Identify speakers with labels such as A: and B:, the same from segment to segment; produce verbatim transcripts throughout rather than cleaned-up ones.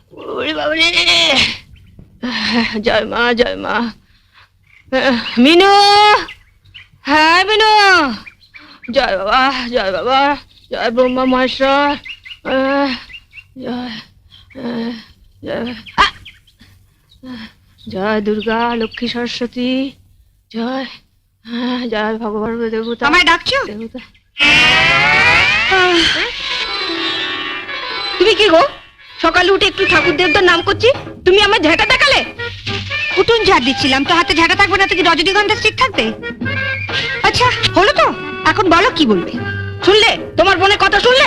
A: ওরে বাবারে, জয় মা জয় মা। মিনু, হ্যাঁ মিনু, জয় বাবা জয় বাবা, জয় ব্রহ্মা মহেশ্বর, আহ, জয় আহ, জয় আহ, জয় দুর্গা লক্ষ্মী সরস্বতী, জয় আহ, জয় ভগবান দেবতা।
B: আমায় ডাকছো?
A: দেবতা।
B: তুমি কি গো, সকালে উঠে একটু ঠাকুর দেবতার নাম করছি, তুমি আমার ঝাঁটা দেখালে? উঠুন ঝাড় দিচ্ছিলাম, তো হাতে ঝাঁটা থাকবে না তো কি রজনীগন্ধা স্টিক থাকবে? আচ্ছা হলো তো, এখন বলো কি বলবে। শুনলে তোমার বোনের কথা, শুনলে?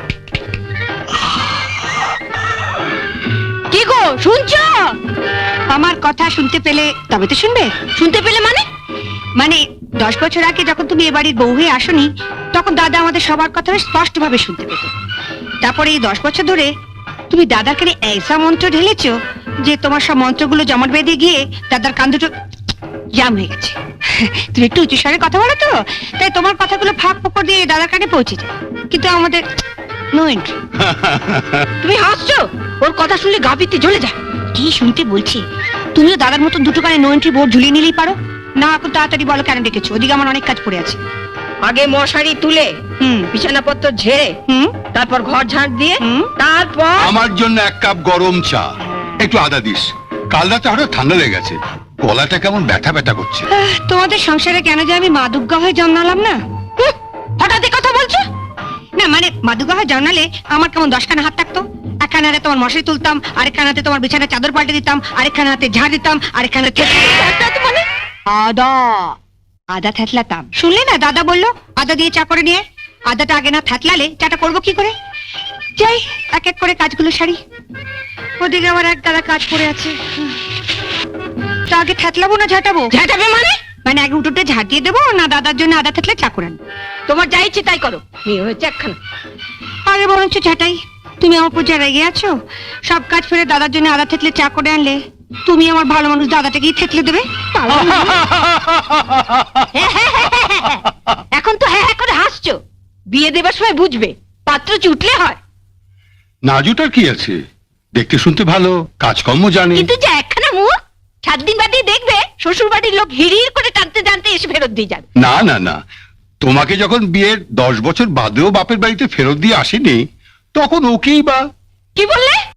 B: কি গো শুনছো? আমার কথা শুনতে পেলে তবে তো শুনবে। শুনতে পেলে মানে? মানে দশ বছর আগে যখন তুমি এ বাড়ির বউ হয়ে আসনি, তখন দাদা আমাদের সবার কথা স্পষ্ট ভাবে শুনতে পেত। তারপরে এই দশ বছর ধরে তুমি দাদাকে এইসা মন্ত্র ঢেলেছো যে তোমার সব মন্ত্রগুলো জমাট বেঁধে গিয়ে দাদার কান দুটো জাম হয়ে গেছে। তুমি একটু উঁচু স্বরে কথা বলো তো, তাই তোমার কথাগুলো ফাঁক ফোকর দিয়ে দাদার কানে পৌঁছে যায়, কিন্তু আমাদের নো এন্ট্রি। তুমি হাসছো? ওর কথা শুনলে গা পিত্তে জ্বলে যায়। কি শুনতে বলছি? তুমিও দাদার মতন দুটো কানে নো এন্ট্রি বোর্ড ঝুলিয়ে নিলেই পারো না। এখন তাড়াতাড়ি বলো কেন ডেকেছো? ওদিকে আমার অনেক কাজ পড়ে আছে।
A: আগে মশারি তুলে, হুম, বিছানাপত্র ঝেড়ে,
B: হুম
A: তারপর ঘর ঝাড় দিয়ে,
B: হুম
A: তারপর
C: আমার জন্য এক কাপ গরম চা, একটু আদা দিস। কাল রাতে হঠাৎ ঠান্ডা লেগে গেছে, গলাটা কেমন ব্যথা ব্যথা করছে।
B: আহ, তোমাদের সংসারে কেন যে আমি মা দুর্গা হয়ে জন্মালাম না? হুঁ, হঠাৎ এ কথা বলছো? না মানে মা দুর্গা হয়ে জন্মালে আমার কেমন দশখানা হাত থাকতো। একখানা হাতে তোমার মশারি তুলতাম, আরেকখানা হাতে তোমার বিছানার চাদর পাল্টে দিতাম, আরেকখানা হাতে ঝাড় দিতাম, আরেকখানা হাতে মানে আদা আদা থেতলাতাম। শুনলে না দাদা বললো আদা দিয়ে চা করে নিয়ে। আদাটা আগে না থেতলালে চাটা করবো কি করে? যাই এক এক করে কাজগুলো সারি। ওদিকে আমার এক দাদা কাজ পড়ে আছে। হুঁ। তা আগে থেতলাবো না ঝাঁটাবো?
A: ঝাঁটাবে মানে?
B: মানে আগে উঠোতে ঝাঁট দিয়ে দেবো না দাদার জন্য আদা থেতলে চা করে আনবো?
A: তোমার যা ইচ্ছে তাই করো, মেয়ে হয়েছে একখানা।
B: আগে বরঞ্চ ঝাঁটাই। তুমি আমার উপর যা রেগে আছো, সব কাজ ফেলে দাদার জন্য আদা থেতলে চা করে আনলে তুমি আমার ভালো মানুষ দাদাটাকেই থেতলে দেবে।
A: এখন তো হ্যাঁ হ্যাঁ করে হাসছো, বিয়ে দেবার সময় বুঝবে পাত্র চুটলে হয়।
C: নাজুটার কি আছে, দেখতে শুনতে ভালো, কাজকর্ম জানে।
A: কিন্তু যে একখানা মুখ, সাত দিন বাদে দেখবে শ্বশুর বাড়ির লোক হিড়ির করে টানতে টানতে এসে ফেরত দিয়ে যাবে।
C: না না না, তোমাকে যখন বিয়ের দশ বছর বাদেও বাপের বাড়িতে ফেরত দিয়ে আসেনি, তখন ওকেই বা।
A: কি বললে?